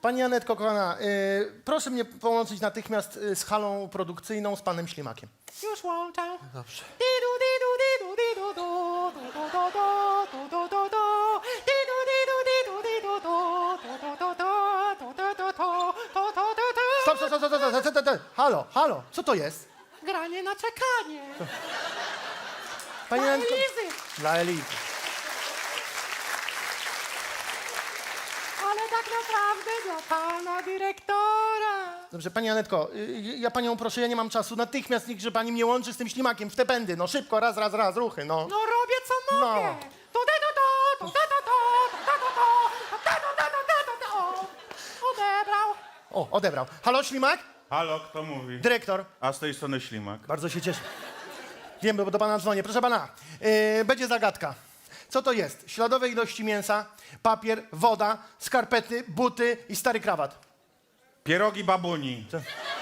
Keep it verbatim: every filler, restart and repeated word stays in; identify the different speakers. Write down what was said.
Speaker 1: Pani Anetko, kochana, y, proszę mnie połączyć natychmiast y, z halą produkcyjną z panem Ślimakiem.
Speaker 2: Już łączę.
Speaker 1: Dobrze.
Speaker 2: Didu, didu, didu, didu, du, du, du, du, du, du, du, du. Didu, didu, didu, didu, du, du, du, du, du, du, du, du, du, du, du, du.
Speaker 1: Stop, stop, stop, stop, stop, stop, stop, stop. Halo, halo, co to jest?
Speaker 2: Granie na czekanie.
Speaker 1: Pani
Speaker 2: Dla
Speaker 1: Anetko...
Speaker 2: Elizy.
Speaker 1: Dla Elizy.
Speaker 2: Ale tak naprawdę dla pana dyrektora.
Speaker 1: Dobrze, pani Anetko, y, ja panią proszę, ja nie mam czasu. Natychmiast niechże pani mnie łączy z tym Ślimakiem w te pędy. No szybko, raz, raz, raz, ruchy, no.
Speaker 2: No robię co mogę.
Speaker 1: No.
Speaker 2: Tu, tu, tu, tu, tu, tu, tu, tu, tu, tu, tu, tu, tu, tu, tu, tu. O, odebrał.
Speaker 1: O, odebrał. Halo, Ślimak?
Speaker 3: Halo, kto mówi?
Speaker 1: Dyrektor.
Speaker 3: A z tej strony Ślimak.
Speaker 1: Bardzo się cieszę. Wiem, bo do pana dzwonię. Proszę pana, yy, będzie zagadka. Co to jest? Śladowe ilości mięsa, papier, woda, skarpety, buty i stary krawat.
Speaker 3: Pierogi babuni.
Speaker 1: Co?